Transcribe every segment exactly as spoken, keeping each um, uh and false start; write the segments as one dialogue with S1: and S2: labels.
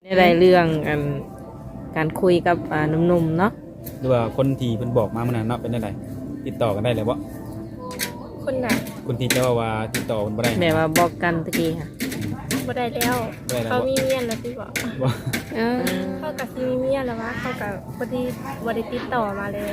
S1: ได้เรื่องอันการคุยกับอ่าหนุ่มๆเนาะ
S2: หรือว่าคนที่เพิ่นบอกมาเมื่อนั้นเนาะเป็นได้ไดติดต่อกันได้เลยบ่
S3: คนไหน
S2: คนที่จะว่าว่าติดต่อกันบ่ได้
S1: แบบว่าบอกกันตะกี้ค่ะ
S3: บ่ได้แล้วเขามีเมียแล้วที่บอก
S2: บ่
S1: เออ
S3: เขากับซีมีเมียแล้ววะเขากับพอดีบ่ได้ติดต่อมาเลย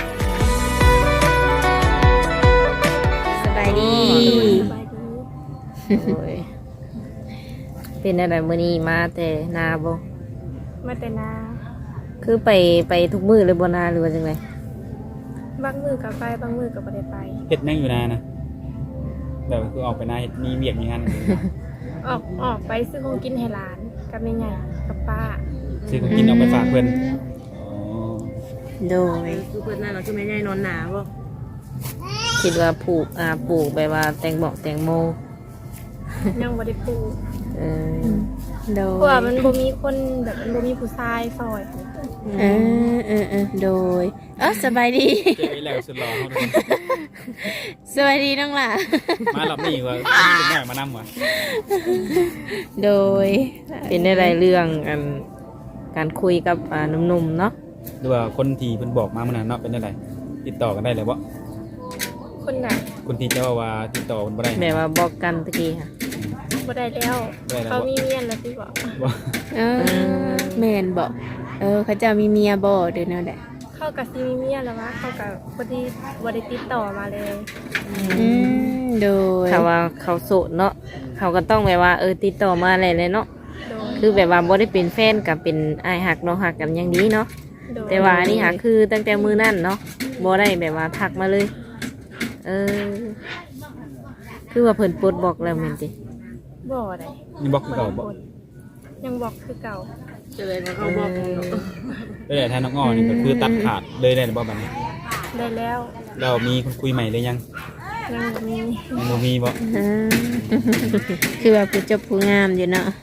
S1: สบายดี
S3: สบายดี
S1: โอ้ยเป็นอะไรมื้อนี้มาแต่นาบ่
S3: มาแต่นา
S1: คือไปไปทุกมื้อเลยบ่นาหรือว่าจังได๋
S3: บางมือกับไปบางมือกับบ่ได้ไป
S2: เฮ็ดนั่งอยู่นานะแบบคือออกไปนาเฮ็ดมีเวียกมีงาน
S3: ออกออกไปซื้อของกินให้หลานกับแม่ใหญ่กับป้า
S2: ซื้อของกินเอาไปฝากเพิ่นอ๋อ
S1: โดย
S4: คือเปิดหน้าเราคือไม่ได้นอนหนาบ่
S1: คิดว่าปลูกอ่าปลูกแบบว่าแตงบอกแตงโม
S3: ยังบ่ได้ปลูก
S1: เออโด
S3: เพราะว่าย มันบ่มีคนแบบมันบ่มีผู้ชายซอย
S4: เออเออเออโดยเออสบายดี
S2: เจออีแล้วสุดหล่อเฮาทุกคน
S4: สวัสดีน้องหล่ะ
S2: มารอบนี้ว่ามีลูกน้อยมานำว่ะ
S4: โดย
S1: เป็นได้เรื่องอันการคุยกับอ่าหนุ่มๆเนาะ
S2: หรือว่าคนที่เพิ่นบอกมาเมื่อนั้นเนาะเป็นได้ไดติดต่อกันได้เลยบ่
S3: คนไหน
S2: คนที่จะว่าว่าติดต่อกันบ่ได้
S1: แบบว่าบอกกันตะกี้ค่ะ
S3: บ่ได้แล้ว
S2: บ่ได้แล้ว
S3: เขา
S2: บ่
S3: มีเมียแล้วที่บอก
S2: บ่
S4: เออแม่นบอกเออเขาเจะมีเมียบ่เดี๋ยวนั้นแหละ
S3: เขากับซีมีเมียแล้ววะเขากับพอดีบ่ได้ติดต่อมาเลย
S4: อืมโดย
S1: ถ้าว่าเขาโสดเนาะเขาก็ต้องแบบว่าเออติดต่อมาอะไรเลยเนาะ
S3: โดย
S1: คือแบบว่าบ่ได้เป็นแฟนกับเป็นอ้ายหักน้องหักกันอย่างนี้เนาะ
S3: โดย
S1: แต่ว่าอันนี่หักคือตั้งแต่มือนั่นเนาะบ่ได้แบบว่าทักมาเลย เออ คือว่าเพิ่นปลดบอกแล้วแม่นติ
S3: บ่ได้
S2: นี่บอกคือเก่าบ่
S3: ยังบอกคือเก่า
S4: เจอแล้วเขาบอก
S2: ได้แต่ถ้าน้องอ้อนี่ก็คือตัดขาดเลยได้บ่บัดนี้
S3: ได้แล้ว
S2: เรามีคนคุยใหม่เลยยัง
S3: ยังบ่มี
S2: ยังบ่มีบ่
S4: เออคือว่าผู้เจบผู้งามอยู่เนาะ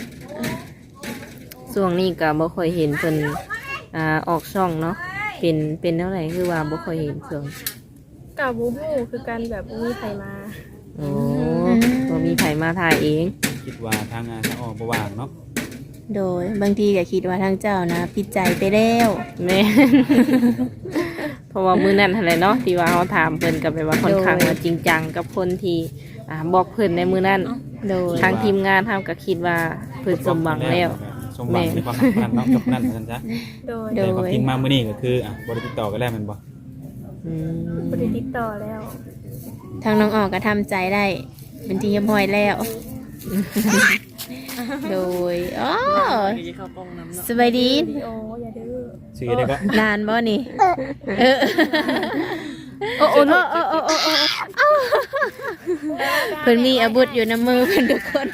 S1: ช่วงนี้ก็บ่ค่อยเห็นเพิ่นอ่าออกช่องเนาะเป็นเป็นเท่าไหร่คือว่าบ่ค่อยเห็นช่วง
S3: กับบูบูคือการแบบบ่มีใครมา
S1: โอ้บ่มีไผมาถ่ายเอง
S2: คิดว่าทางงานทางอ้อบ่ว่างเนาะ
S4: โดยบางทีก็คิดว่าทางเจ้านะผิดใจไปแล้ว
S1: แม่ เพราะว่ามื้อนั้นหั่นแหละเนาะที่ว่าเฮาถามเพิ่นก็แบบว่าค่อนข้างว่าจริงจังกับคนที่อ่าบอกเพิ่นในมื้อนั้น
S4: โดย
S1: ทางทีมงานเฮาก็คิดว่าเพิ่นสมหวังแล้ว
S2: สมหวังในความสัมพันธ์เนาะจบนั่นซั่นซะ
S3: โดย
S4: โด
S2: แต่
S4: ย
S2: ความจริงมามื้อนี้ก็คืออ่ะบ่ได้ติดต่อกันแล้วแม่นบ่
S1: อืม
S3: บ่ได้ติดต่อแล้ว
S4: ทางน้องออกก็ทำใจได้ เป็นที่เรียบร้อยแล้ว โดยอ๋อจะเข้ากล้องน้ำเนาะสบายดี
S3: วิดีโออย่าดื้อ
S2: ชื่อได้ก็
S4: นานบ่นี่ เออโอ้โอ้โอ้โอ้โอ้โอ้โอ้เพิ่นมีอาวุธอยู่ในมือเพิ่นทุกคน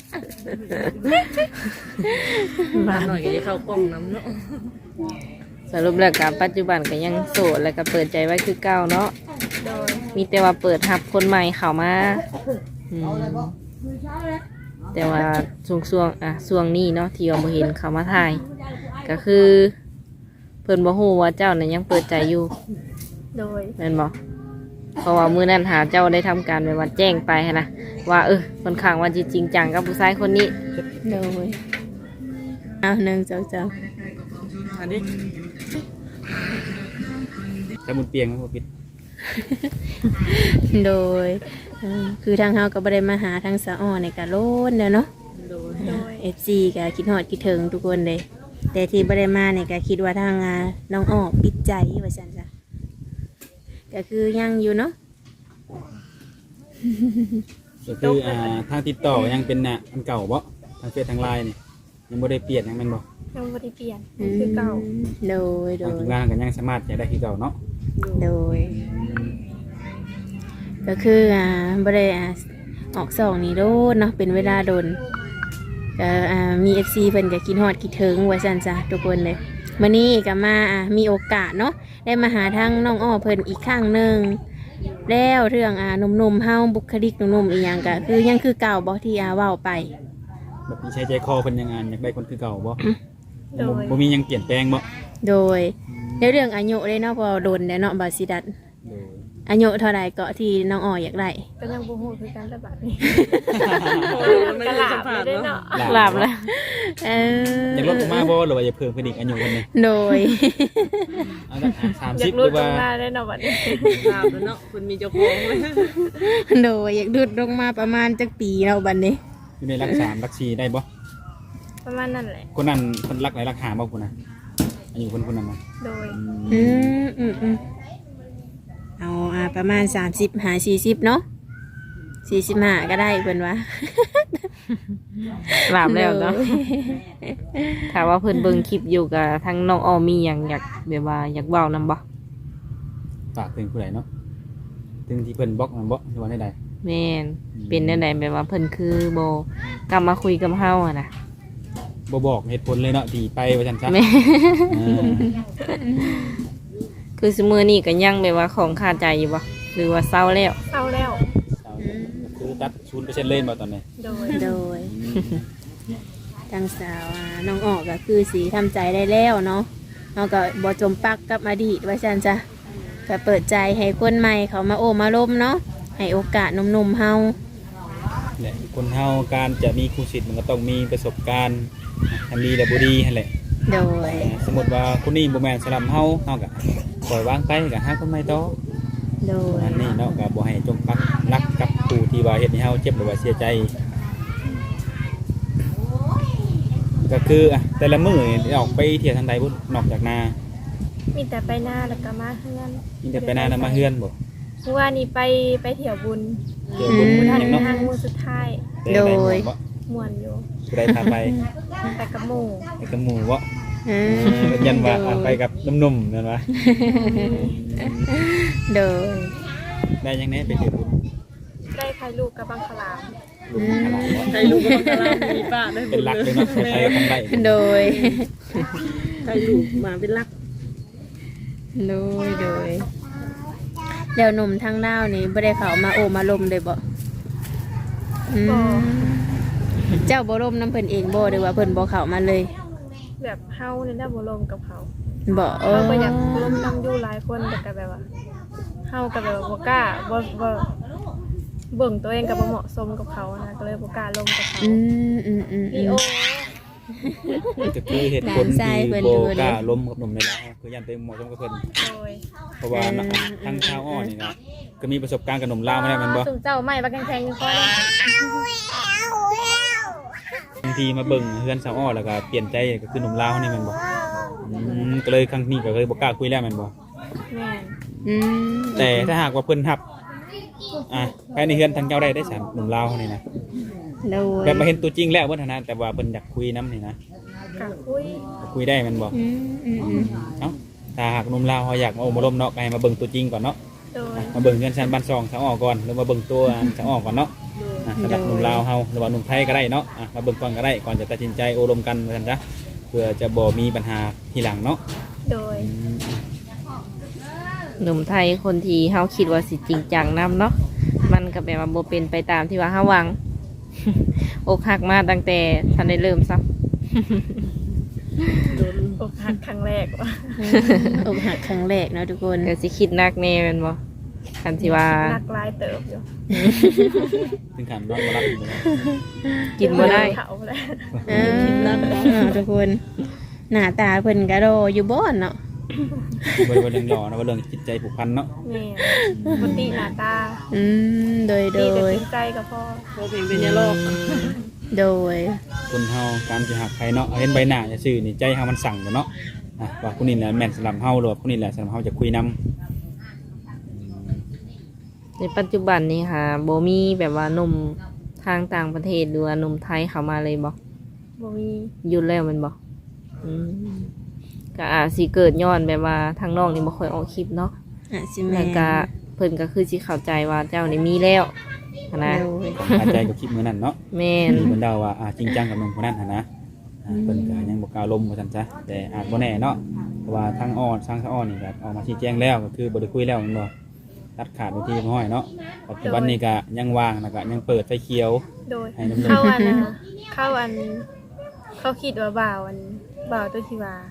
S1: มาหน่อยก็จะเข้ากล้องน้ำเนาะสรุปแล้วกับปัจจุบันก็ยังโสดแล้วก็เปิดใจไว้คือเก่าเนาะ
S3: โดย
S1: มีแต่ว่าเปิดรับคนใหม่เข้ามาอืมแต่ว่าช่วงช่วงๆอ่ะช่วงนี้เนาะที่ว่าบ่เห็นเขามาถ่าย ก็คือ เพิ่นบ่ฮู้ว่าเจ้านั้นยังเปิดใจอยู่
S3: โดย
S1: แม่นบ่เพราะว่ามื้อนั้นหาเจ้าได้ทำการไปว่าแจ้งไปหั้นนะว่าเออค่อนข้างว่าจริงจังกับผู้ชายคนนี้
S4: โดยเอาหนึ่งเจ้าเจ้า
S2: อันนี้แต่มุนเปียงมันบ่ปิด
S4: โดยเอ่อคือทางเฮาก็บ่ได้มาหาทางสะอ้อในกะโลนเด้อเนาะ
S3: โดย
S4: เอฟซีก็คิดฮอดคิดถึงทุกคนเลย แต่ที่บ่ได้มาเนี่ยก็คิดว่าทางอ่าน้องอ้อปิดใจว่าซั่นจ้ะก็คือยังอยู่เนาะ
S2: ก็คืออ่าทางติดต่อยังเป็นน่ะอันเก่าบ่ทางเฟซทางไลน์นี่ยังบ่ได้เปลี่ยนยังแม่นบ่
S3: ยังบ่ได้เปลี่ยนคือเก่า
S4: โดยโด
S2: ทาง
S4: ย
S2: ทีมงานก็ยังสามารถจะได้คือเก่าเนาะ
S4: โดย ก็คืออ่าบ่ได้อ่าออกสองนี่โดนเนาะเป็นเวลาโดนก็อ่ามี เอฟ ซี เพิ่นก็คิดฮอดคิดถึงว่าซั่นจ้ะทุกคนเลยมื้อนี้ก็มาอ่ามีโอกาสเนาะได้มาหาทางน้องอ้อเพิ่นอีกครั้งหนึงแล้วเรื่องอ่าหนุ่มๆเฮาบุคลิกหนุ่มๆอีหยังก็คือยังคือเก่าบ่ที่อาเว้าไป
S2: แบบนี้ใช้ใจคอเพิ่นยังอ่านอยากได้คนคือเก่าบ่
S3: โด
S2: บ่
S3: ย
S2: บ่มีหยังเปลี่ยนแปลงบ่
S4: โดยในเรื่องอายุเลยเนาะเพอโดนแล้วเนาะบาสิดัต
S2: โดย
S4: อายุเท่าใดเกาะที่น้องอ้ออยากได้
S3: ก็ยังบ่ฮู้คือกันแต่บัดนี้
S1: ไม่
S3: กะ
S1: ได้
S3: ลา
S1: สัม
S3: บ
S1: ผัส
S3: ได้
S1: เนาะ
S3: เนาะ
S1: หลับแล้ว
S4: เออ
S2: อยากลดลงมาบ่หรือว่าอยากเพิ่มขึ้นอีกอายุคนนี้
S4: โดย
S2: เอาสักสาม
S3: อยา
S2: สิบ
S3: ก
S2: ห
S3: รู้
S2: รือ
S3: ตร
S2: ว่าง
S3: มาได้เนาะบัดนี้
S1: หลับแล้วเนาะคุณมีเจ้าของเลย
S4: โดยอยากดูดลงมาประมาณจักปีเราบัดนี้
S2: อยู่ในรักสามรักสี่ได้บ่
S3: ประมาณนั้นแหละ
S2: คนนั้นคนรักไหนรักหาบ่คุณนะอายุคนคนนั้นนะ
S3: โดย
S4: อืมอืมอืมเอาอ่าประมาณสามสิบหาสี่สิบเนาะสี่สิบห้าก็ได้เพิ่นว่า
S1: หลับแล้วเนาะถ้าว่าเพิ่นเบิ่งคลิปอยู่กับทั้งน้องออมมีหยังอยากแบบว่าอยากเว้านำบ่
S2: ฝากถึงผู้ใดเนาะถึงที่เพิ่นบล็อกมันบ่หรือว่าได้ใด
S1: แม่นเป็นแนวใดแบบว่าเพิ่นคือบ่กลับมาคุยกับเฮาอ่ะนะ
S2: บ่บอกเหตุผลเลยเนาะที่ไปว่าซั่นซะ
S1: แม่
S2: เออ
S1: คือซุมื้อนี้ก็ยังแบบว่าของคาใจอยู่บ่หรือว่าเศร้าแล้ว
S3: เศร้าแล้ว
S2: คือตัดศูนย์เปอร์เซ็นต์เลยบ่ตอนนี้
S3: โดย
S4: โดยทางสาวอ่าน้องออกก็คือสีทำใจได้แล้วเนาะเราก็บ่จมปักกับอดีตว่าซั่นจ้ะก็เปิดใจให้คนใหม่เขามาโอ้มาล้มเนาะให้โอกาสหนุ่มๆเฮา
S2: แหละคนเฮาการจะมีครูศิษย์มันก็ต้องมีประสบการณ์ทั้งดีและบ่ดีนั่นแหละ
S4: โดย
S2: สมมติว่าคนนี้บ่แม่นสลับเฮาเฮาก็ปล่อยวางไปก็หาคนใหม่ต่อ
S4: โดย
S2: อันนี้เนาะก็บ่ให้จมปักรักกับผู้ที่ว่าเฮ็ดให้เฮาเจ็บหรือว่าเสียใจ ก็คืออ่ะแต่ละมื้อนี่ออกไปเที่ยวทางใดบ่นอกจากนา
S3: มีแต่ไปหน้าแล้วก็มาเฮือน
S2: มีแต่ไปนาแล้วมาเฮือนบ่
S3: เมื่อวานนี้ไปไปเที่ยวบุญ
S2: เที่ยวบุญ
S3: บุญทัน
S2: หยังเนาะ
S3: ทางมือสุดท้าย
S2: แต่ได้หมู่บ่
S3: ม่วนอยู่
S2: ผู้ใดพาไป
S3: ไปกับหมู่
S2: ไปกับหมู่บ่
S4: เอ
S2: เอ
S4: อ
S2: อยันว่าอ่ะไปกับหนุ่มๆนั่นวะ
S4: โดย
S2: ได้ยังไงไปเที่ยวบุญ
S3: ได้ใครลูกกับบังคลาม
S2: ลุงขนาดบ่
S1: ใครรู้ว่าบังคลามมีป้าได้
S2: เป็นหลักเลยเนาะใครๆก็ทำได้
S4: โดย
S1: ใครรู้มาเป็นหลัก
S4: โดยโดยเดี๋ยวหนุ่มทางดาวนี่บ่ได้เขามาโอมาลมเลยบ่อืมเจ้าบ่ลมน้ำเพิ่นเองบ่หรือว่าเพิ่นบ่เข้ามาเลย
S3: แบบเฮาเนี่ยได้บ่ลมกับเขา
S4: บ่เออ
S3: เราก็อยากร่วมน้ำอยู่หลายคนแต่ก็แบบว่าเฮากับแบบว่าบ่กล้าบ่บ่เบิ่งตัวเองกับบ่เหมาะสมกับเขานะก็เลยบ่กล้าลงกับเขา
S4: อืมอืมอืม
S3: ลีโอ
S2: ก็คือเหตุผลที่โบกล้าล้มกับหนุ่มในลาวคือยันไปเหมาะสมกับเพิ่น
S3: โดย
S2: เพราะว่าเนาะทั้งชาวอ้อนี่นะก็มีประสบการณ์กับหนุ่มลาวมาแล้วแมันบ่
S3: สุ่มเจ้าใหม่บักแข็งๆก็ได้
S2: บางทีมาเบิ่งเฮือนชาวอ้อแล้วก็เปลี่ยนใจก็คือหนุ่มลาวนี่แมันบ่อืมก็เลยครั้งนี้ก็เลยบ่กล้าคุยแล้วแมันบ่
S3: แม่น
S4: อืม
S2: แต่ถ้าหากว่าเพิ่นรับอ่ะภายในเฮือนทางเจ้าได้ได้สามหนุ่มลาวนี่นะ
S4: โดย
S2: แบบมาเห็นตัวจริงแล้วเพิ่นนะแต่ว่าเพิ่นอยากคุยนํนี่นะ
S3: กะคุย
S2: คุยได้แมันบ่
S4: อืมอืมอืม
S2: เอ้าถ้าหากหนุ่มลาวเขาอยากมาโอ้มาล้มเนาะก็ให้มาเบิ่งตัวจริงก่อนเนาะ
S3: โดย
S2: มาเบิ่งเงินชั้นบ้านซองชาวอ้อก่อนหรือมาเบิ่งตัวชาวอ้อก่อนเนาะอ่ะสำหรับหนุ่มลาวเฮาหรือว่าหนุ่มไทยก็ได้เนาะอ่ะมาเบิ่งก่อนก็ได้ก่อนจะตัดสินใจโอรมกันว่าซั่นจ้ะเพื่อจะบ่มีปัญหาทีหลังเนาะ
S3: โดย
S2: อืม
S1: หนุ่มไทยคนที่เฮาคิดว่าสิจริงจังนำเนาะมันก็แบบว่าบ่เป็นไปตามที่ว่าเฮาหวัง อกหักมาตั้งแต่ทันได้เริ่มซั
S3: อกหักครั้งแรกว่ะ
S4: อกหักครั้งแรกเนาะทุกคน
S1: ก็สิคิดหนักแน่แม่นบ่คันสิว่า
S3: หนักหลายเติบอยู่
S2: ถึงขั้นนอนบ่หลับอยู่เลย
S1: กินบ่ได้
S3: เขาแล้ว
S4: เออทุกคนหน้าตาเพิ่นก็โดอยู่บ่อนเนาะ
S2: บ่ได้ว่าเรื่องหล่อนะว่าเรื่องจิตใจผูกพันเนาะ
S3: แม่นปกติหน้าตา
S4: อืมโดยโด
S3: ดีแต่
S4: ย
S3: จริงใจกับพ่อ
S1: โบเป็นเป็นยาโลก
S4: โดย
S2: คนเฮาการสิหักใครเนาะเห็นใบหน้าซื่อๆนี่ใจเฮามันสั่งอยู่เนาะอ่ะว่าคนนี้แหละแม่นสำหรับเฮาหรือว่าคนนี้แหละสำหรับเฮาจะคุยนํ
S1: ในปัจจุบันนี้ค่ะโบมีแบบว่าหนุ่มทางต่างประเทศหรือว่าหนุ่มไทยเข้ามาเลยบอก
S3: บ่มี
S1: หยุดแล้วแมันบอกอืมก็อาจสิเกิดย้อนแบบว่าทางน้องนี่บ่ค่อยออกคลิปเนาะ
S4: อ่ะสิแม่
S1: แล้วก็เพิ่นก็คือสิเข้าใจว่าเจ้านี่มีแล้วนะ
S4: โดย
S2: อาใจกับคลิปมื้อนั้นเนาะ
S1: แม่น
S2: ที่เพิ่นเดาว่าอ่าจริงจังกับหนุ่มคนนั้นหั่นนะอ่าเพิ่นก็ยังบ่กล้าลมว่าซั่นซะแต่อาจบ่แน่เนาะเพราะว่าทางอ้อทางสะอ้อนี่ก็ออกมาชี้แจงแล้วก็คือบ่ได้คุยแล้วแม่นบ่ตัดขาดไปที่ห้อยเนาะปัจจุบันนี้ก็ยังว่างแล้วก็ยังเปิดไฟเขียว
S3: โดย
S2: ให้น้ำนม
S3: เข้าอันนะเข้าอัน เขาคิดว่าบ่าวอันบ่าวตัวที่ว่า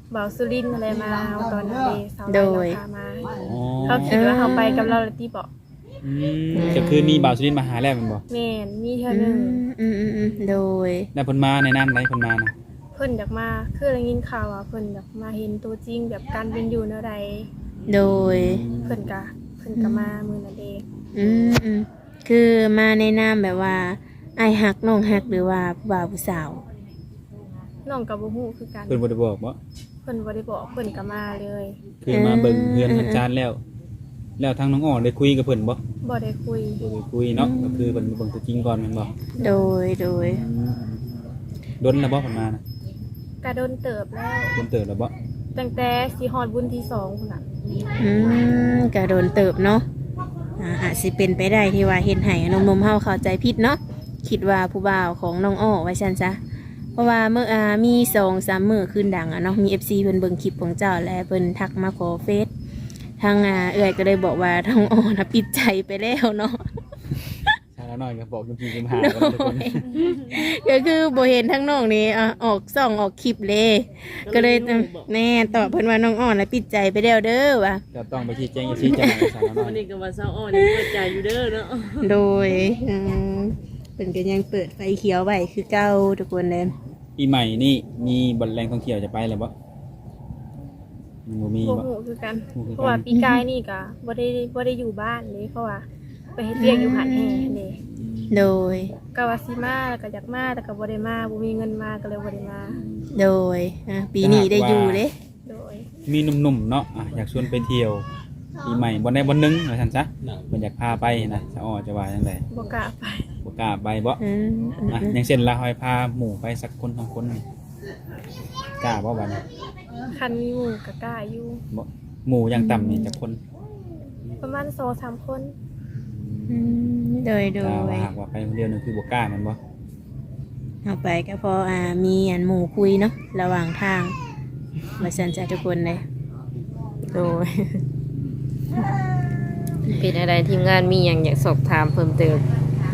S3: บ่าวสุรินทร์อะไรมาเอาตอนนั้นเด้สาว
S4: โด
S3: ไล่
S4: ย
S3: เราพามา
S2: อ๋อ
S3: เขาคิดว่าเขาไปกับเราแล้วที่บอก
S2: อืมก็คือมีบ่าวสุรินทร์มาหาแล้วแมันบ่
S3: แม่นมีเท่า
S4: อื
S3: นึง
S4: มอืมอืมอืมโดย
S2: แล้วเพิ่นมาในนามใดเพิ่นมานะ
S3: เพิ่นอยากมาคือได้ยินข่าวว่าเพิ่นอยากมาเห็นตัวจริงแบบการเป็นอยู่แนวใด
S4: โดย
S3: เพิ่นก็เพิ่นก็มามื้อนั้นเด้
S4: อืมอืมคือมาในนามแบบว่าไอายฮักน้องฮักหรือว่าผู้บ่าวผู้สาว
S3: น้องก็บ่ฮู้คือกัน
S2: เพิ่นบ่ได้บอกบ่
S3: เพิ่นบ่ได้บอกเพิ่นก็มาเลย
S2: คือมาเบิ่งเฮือนทางจานแล้ว แล้วทางน้องอ้อได้คุยกับเพิ่นบ่
S3: บ่ได้คุย
S2: บ่ได้คุยเนาะก็คือเพิ่นเบิ่งตัวจริงก่อนแม่นบ่
S4: โดยโดย
S2: ดนแล้วบ่เพิ่นมานะ
S3: ก็โดนเติบแล้ว
S2: ดนเติบแล้วบ่
S3: ตั้งแต่สิฮอดบุญที่สองพุ่นน่ะ
S4: อืมก็โดนเติบเนาะอ่าอาจสิเป็นไปได้ที่ว่าเห็นให้นมนมๆเฮาเข้าใจผิดเนาะคิดว่าผู้บ่าวของน้องอ้อไว้ซั่นซะเพราะว่าเมื่ออ่ามีสองสามมื้อคืนดังอ่ะเนาะมี เอฟ ซี เพิ่นเบิ่งคลิปของเจ้าและเพิ่นทักมาขอเฟซทางอ่าเอื้อยก็เลยบอกว่าน้องอ้อน่ะปิดใจไปแล้วเนาะ
S2: ชาละน้อยก็บอกจริงๆหากันทุกคน
S4: ก็คือโบเห็นทั้งน้องนี่อ่ะออกส่องออกคลิปเลย ก็เลยแน่ตอบเพิ่นว่าน้องอ่อนแล้วปิดใจไปแล้วเด้อว่ะ
S2: จะต้องไปชี้แจงชี้แจงให้ชาละน้อย
S5: นี่ก็ว่าเศร้าอ่อนนี่เปิดใจอยู่เด้อเนาะ
S4: โดยอืมเป็นก็ยังเปิดไฟเขียวไว้คือเก่าทุกคนเลย
S2: ปีใหม่นี่มีบ่อนแรงท่องเที่ยวจะไปแล้วบ่มันบ่มี
S3: บ่
S2: บ่
S3: ฮู้คือกัน
S2: ฮู้คือกัน
S3: เพราะว่าปีกายนี่ก็บ่ได้บ่ได้อยู่บ้านเลยเพราะว่าไปเฮ็ดเวียกอยู่หาดแห่เด้
S4: โดย
S3: ก็ว่าสิมาแล้วก็อยากมาแต่ก็บ่ได้มาบ่มีเงินมาก็เลยบ่ได้มา
S4: โดยอ่ะปีนี้ได้อยู่เด้
S3: โดย
S2: มีหนุ่มๆเนาะอ่ะอยากชวนไปเที่ยวปีใหม่บ่ได้บ่นึงว่าซั่นซะเพิ่นอยากพาไปนะชาอ้อจะว่าจังได
S3: บ่กล้าไป
S2: บ่กล้าไปบ่
S4: อืมอืม
S2: อ่ะอย่างเช่นลาหอยพาหมู่ไปสักคนสองคนนี่กล้าบ่บัดนี้
S3: คันมีหมู่ก็กล้าอยู่
S2: บ่หมู่อย่างต่ำนี่จักคน
S3: ประมาณสองสามคน
S4: อืมโดยโด
S2: ถ้าย ว่าหากว่าไปคนเดียวนึงคือบ่กล้าแม่นบ่
S4: เอาไปก็พออ่ามีอันหมู่คุยเนาะระหว่างทางมาสันจะทุกคนเลย
S1: โดย เป็นอะไรทีมงานมีอย่างอยากสอบถามเพิ่มเติม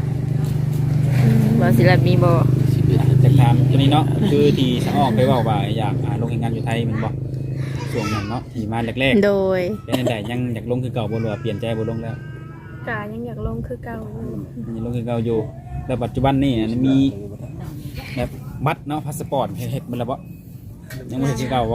S1: ว่าศิลป์มีบ่
S2: จะถามตัวนี้เนาะคือที่ชาอ้อไปเว้าว่าอยากอ่าลงแข่งงานอยู่ไทยแม่นบ่ช่วงนั้นเนาะที่มาแรกๆ
S4: โดย
S2: เป็นใดยังอยากลงคือเก่าบ่หรือว่าเปลี่ยนใจบ่ลงแล้ว
S3: กายังอยากลงคือเก่าอยู่
S2: ยังลงคือเก่าอยู่แล้วปัจจุบันนี่มีแบบบัตรเนาะพาสปอร์ตเฮ็ดมันแล้วบ่ยังบ่เฮ็ดคือเก่าบ่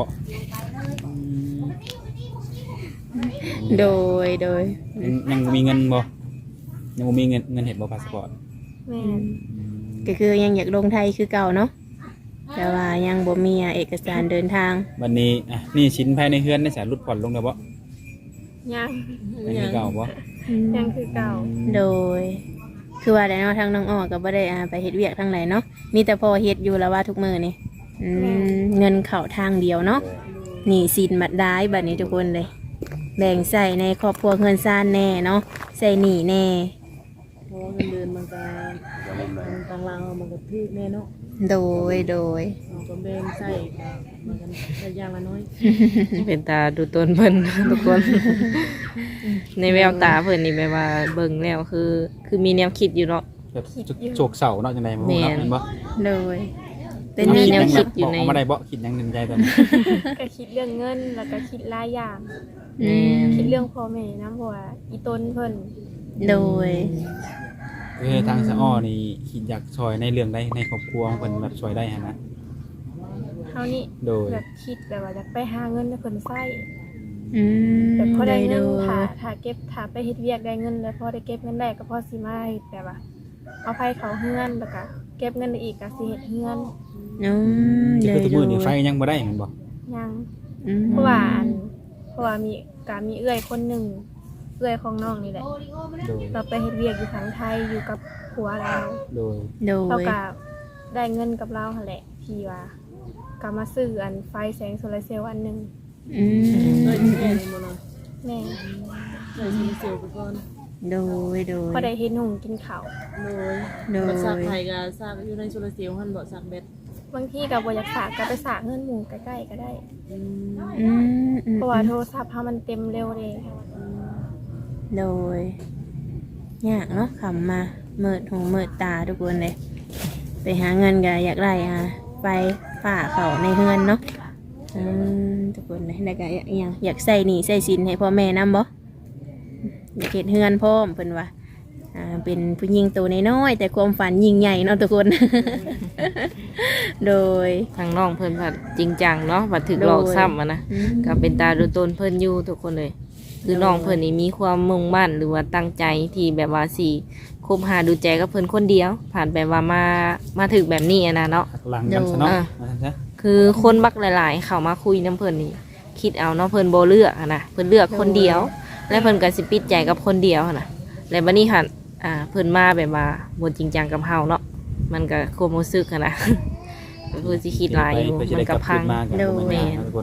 S4: โดยโดย
S2: ยังยังบ่มีเงินบ่ยังบ่มีเงินเงินเฮ็ดบ่พาสปอร์ต
S3: แม่น
S4: ก็คือยังอยากลงไทยคือเก่าเนาะแต่ว่ายังบ่มีเอกสารเดินทาง
S2: วันนี้อ่ะนี่ชิ้นภายในเฮือนได้สารุดผ่อนลงแล้วบ่
S3: ยัง
S2: ยังคือเก่าบ่
S3: ยังคือเก่า
S4: โดย คือว่าได้เนาะทางน้องอ้อก็บ่ได้อ่าไปเฮ็ดเวียกทางไหนเนาะมีแต่พอเฮ็ดอยู่แล้วว่าทุกมื้อนี่อืมเงินเข้าทางเดียวเนาะหนี้สินบัดได้บัดนี้ทุกคนเลย แบ่งใส่ในครอบครัวเงินซ่านแน่เนาะใส่หนี้แน่
S5: เพราะว่าเงินเดือนมันก็มันต่างลาวมันก็ทึกแน่เนาะ
S4: โดยโดย
S5: เราก็แบ่งใส่ก็มันก็ใช้อย่างละน้อย
S1: เป็นตาดูตนเพิ่น ทุกคน ในแววตาเพิ่นนี่แบบว่าเบิ่งแล้วคือ คือมีแนวคิดอยู่เนาะ
S2: แบบโศกเศร้าเนาะจังได๋บ่รู้เนาะ
S1: แม่น
S2: แม่นบ่
S4: โดย เป็น
S1: มี
S4: แนว
S1: แนวคิ
S2: คิ
S1: ด
S2: ด
S1: อยู่
S2: บอก
S1: ใน
S2: ออกมาได้บ่คิดหยังในใจตอนนี้
S3: ก็คิดเรื่องเงินแล้วก็คิดหลายอย่าง
S4: อืม
S3: คิดเรื่องพ่อแม่นะเพราะว่าอีต้นเพิ่น
S4: โดย
S2: เออทางสะอ้อนี่คิดอยากช่วยในเรื่องใดในครอบครัวของเพิ่นแบบช่วยได้หั่นนะ
S3: เฮานี่
S2: โดย
S3: แบบคิดแบบว่าอยากไปหาเงินให้เพิ่นใช้
S4: อืม
S3: แบบพอได้เงิน
S4: โดย
S3: ถ้าถ้าเก็บถ้าไปเฮ็ดเวียกได้เงินแล้วพอได้เก็บเงินได้ก็พอสิมาเฮ็ดแบบว่าเอาไผเขาเฮือนแล้วก็เก็บเงินได้อีกก็สิเฮ็ดเฮือน
S4: อืม
S2: นี่
S4: โด
S2: คือย ทุก
S4: โด
S2: มื้
S4: ย
S2: อนี่ไฟยังบ่ได้แม่นบ่
S3: ยัง
S4: อืม
S3: เพราะว่าอันเพราะว่ามีกามีเอื้อยคนหนึ่งเอื้อยของน้องนี่แหละ
S2: โดย
S3: เราไปเฮ็ดเวียกอยู่ทางไทยอยู่กับผัวเรา
S2: โดย
S4: โด
S3: เท่าย กับได้เงินกับเราหั่นแหละที่ว่าก็มาซื้ออันไฟแสงโซลาร์เซลล์อันหนึง
S4: อืม
S5: เลยแค่นี้บ่เนาะ
S3: แม่
S5: เลยสิเสียวไปก่อน
S4: โดยโดย
S3: พอได้เฮ็ดหุงกินข้าว
S5: โดย
S4: โดย
S5: มันซักไผก็ซักอยู่ในโซลาร์เซลล์หั่นบ่ซักเบ็ด
S3: บางทีก็บ่อยากฝากก็ไปฝากเงินหมู่ใกล้ๆก็ได้
S5: อืม
S4: อืมอืม
S3: เพราะว่าโทรศัพท์เฮามันเต็มเร็วเด้
S4: โดยยากเนาะขำมาเมิดหูเมิดตาทุกคนเลย ไปหาเงินก็อยากได้อ่ะไปฝ่าเขาในเฮือนเนาะอืมทุกคนเลยแล้วก็อหยังอยากใส่หนี้ใส่สินให้พ่อแม่นำบ่อยากเฮ็ดเฮือนพร้อมเพิ่นว่าอ่าเป็นผู้หญิงตัวน้อยๆแต่ความฝันยิ่งใหญ่เนาะทุกคน โดย
S1: ทางน้องเพิ่นผัดจริงจังเนาะบัดถึกหลอกซ้ำอะนะ
S4: อืม
S1: ก็เป็นตาดูตนเพิ่นอยู่ทุกคนเลย คือน้องเพิ่นนี่มีความมุ่งมั่นหรือว่าตั้งใจที่แบบว่าสิคบหาดูใจกับเพิ่นคนเดียว ผ่านแบบว่ามามาถึกแบบนี้อะนะเนาะ
S2: หักหลังกันซะเนาะ
S1: อ่า
S2: ว่าซั่นซะ
S1: คือคนบักหลาย ๆ เข้ามาคุยน้ำเพิ่นนี่คิดเอาเนาะเพิ่นบ่เลือกอะนะเพิ่นเลือกคนเดียว และเพิ่นก็สิปิดใจกับคนเดียวอะนะและบัดนี้หั่นอ่าเพิ่นมาแบบว่าบ่จริงจังกับเฮาเนาะมันก็ความรู้สึกอะนะ ก็คือสิคิดหลายอยู่
S2: เพื่อจะ
S1: มั
S2: ได้
S1: น
S2: ก
S1: ก็
S2: ลับ
S1: พั
S2: คื
S1: ง
S2: นมากัน
S4: โดย
S2: บ่แม่นนะทุกคน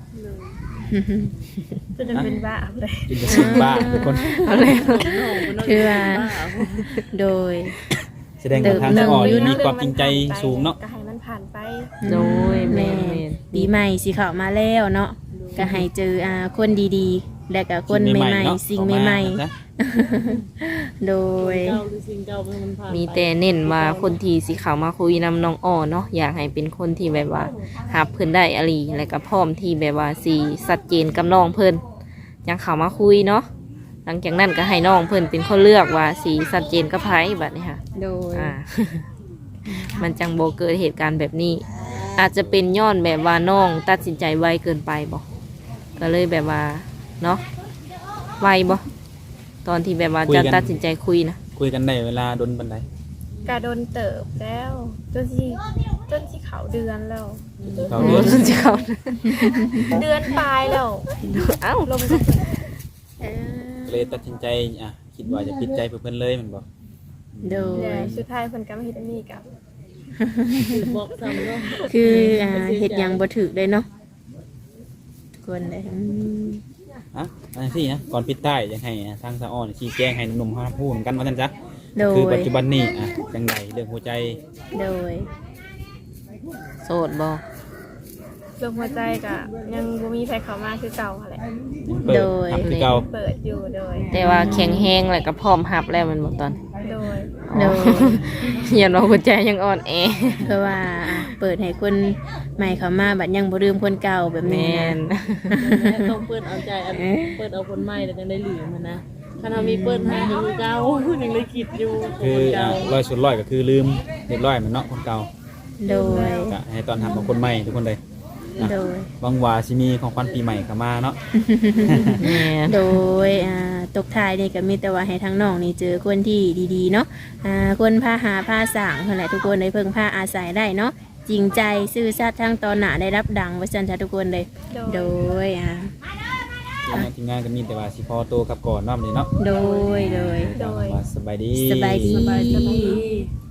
S3: จะจะเป็นบ้าเลย
S2: กินจะสิบบ้าทุกคน
S1: เอาแล้ว
S4: คือว่าโดย
S2: แสดงว่าทางสะออนนี่มีความจริงใจสูงเนาะ
S3: ก็ให้มันผ่านไป
S1: โดยแม่
S4: แม่
S1: น
S4: ปีใหม่สิเข้ามาแล้วเนาะก็ให้เจออ่าคนดีๆ และก็คนใหม่ๆ สิ่งใหม่ๆ โดย
S5: เก่าหรือสิ่งเก่ามันผ่าน
S1: มีแต่เน้นว่าคนที่สิเข้ามาคุยนำน้องอ้อเนาะอยากให้เป็นคนที่แบบว่าหับเพิ่นได้อหลีและก็พร้อมที่แบบว่าสิชัดเจนกับน้องเพิ่นยังเข้ามาคุยเนาะหลังจากนั้นก็ให้น้องเพิ่นเป็นคนเลือกว่าสิชัดเจนกับไผบัดนี้ค่ะ
S4: โดย
S1: อ่า มันจังบ่เกิดเหตุการณ์แบบนี้ อาจจะเป็นย้อนแบบว่าน้องตัดสินใจไวเกินไปบ่ก็เลยแบบว่าเนาะไวบ่ตอนที่แบบว่าจะตัดสินใจคุยนะ
S2: คุยกันได้เวลาดนบันได
S3: กาโดนเติบแล้วจนที่จนที่เขาเดือนแล้ว
S2: เรา
S1: โอ้
S2: เดือน
S1: จะเขา
S3: เดือนปลายแล้ว
S1: เอ้า
S3: ลมก็เปิด
S2: เลยตัดสินใจอ่ะคิดว่าจะปิดใจเพื่อนเลยแมันบอก
S4: โดย
S3: เลยสุดท้ายเพิ่นก็มาเฮ็ดอันนี้กับ
S5: บอกซ้ำเนาะ
S4: คืออ่าเฮ็ดหยังบ่ถูกเลยเนาะทุกคนเลยอืม
S2: อ่ะอันนี้สินะก่อนปิดใต้ยังให้ทางสะออนชี้แจงให้หนุ่มๆเขาพูดกันว่าท่านจ๊ะ
S4: โด
S2: คือย ปัจจุบันนี้อ่ะจังไดเรื่องหัวใจ
S4: โดย
S1: โสดบ่
S3: ลมหัวใจก็ยังบ่มีใครเข้ามาคือเก่าหั่นแหละ
S2: ยังเปิดหับคือเก่า
S3: เปิดอยู่โดย
S1: แต่ว่าแข็งแห้งแล้วก็พร้อมหับแล้วมันบ่ตอน
S3: โดย
S4: โดย
S1: อย่าน้องหัวใจยังอ่อนแอ
S4: เพราะว่าอ่ะเปิดให้คนใหม่เข้ามาบัดยังบ่ลืมคนเก่าแบบ
S1: แม
S4: นี้นะ
S1: น
S5: ต้องเปิดเอาใจอันเปิดเอาคนใหม่แล้วจังได้หลืมมันนะถ้าเรามีเปิดให้ยังคือเก่ายังเลยคิดอยู่
S2: คือ
S5: คน
S2: อ่ะ
S5: เก่า
S2: ร้อยสุดร้อยก็คือลืมเรียบร้อยเหมือนเนาะคนเก่า
S4: โดย
S2: ก็ให้ตอนทำของคนใหม่ทุกคนเลย
S4: โดย
S2: บางว่าสิมีของขวัญปีใหม่เข้ามาเนาะ
S1: แมน
S4: โดยอ่าตกท้ายนี่ก็มีแต่ว่าให้ทั้งน้องนี่เจอคนที่ดีๆเนาะอ่าคนพาหาพาสร้างเท่านั้นแหละทุกคนได้เพิ่งพาอาศัยได้เนาะจริงใจซื่อสัตย์ทั้งตอนหน้าได้รับดังไว้สันทะทุกคนเลย
S3: โด
S4: โด
S3: ย
S4: ยอ่า
S2: ทีมงานทีมงานก็มีแต่ว่าสิพอโตวกลับก่อนเนาะมื้อนี้เนาะ
S4: โดยโดย
S3: โดย
S2: ว่าสบายดี
S4: สบายดี
S5: สบายดี